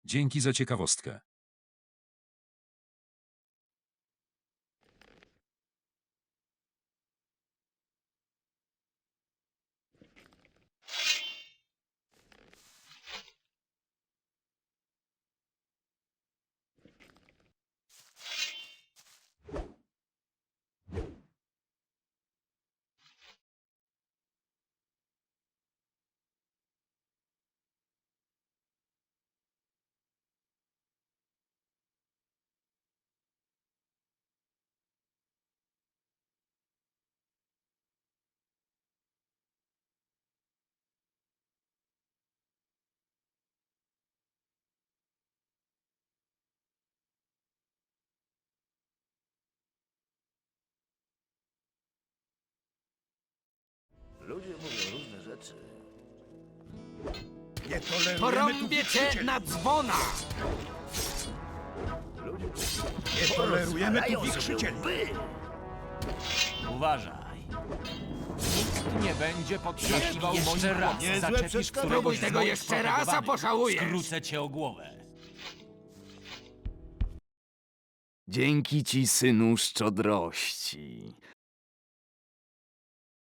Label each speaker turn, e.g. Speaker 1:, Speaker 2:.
Speaker 1: Dzięki za ciekawostkę.
Speaker 2: Ludzie mówią różne rzeczy.
Speaker 3: Nie tolerujemy tu
Speaker 4: Porąbię cię
Speaker 3: wichrzycieli.
Speaker 4: na dzwona!
Speaker 3: Nie tolerujemy tu
Speaker 2: Rozwalają sobie
Speaker 3: wichrzycieli.
Speaker 2: łby.
Speaker 5: Uważaj. Nikt nie będzie potrzaskiwał moim
Speaker 4: Jeszcze raz.
Speaker 5: chłopcom.
Speaker 3: Niezłe
Speaker 5: Zaczepisz
Speaker 3: przeszkadzanie.
Speaker 5: któregoś
Speaker 4: Spróbuj
Speaker 5: z
Speaker 4: tego
Speaker 5: moich
Speaker 4: jeszcze raz, a
Speaker 5: protegowanych.
Speaker 4: pożałujesz.
Speaker 5: Skrócę cię o głowę.
Speaker 6: Dzięki ci, synu szczodrości.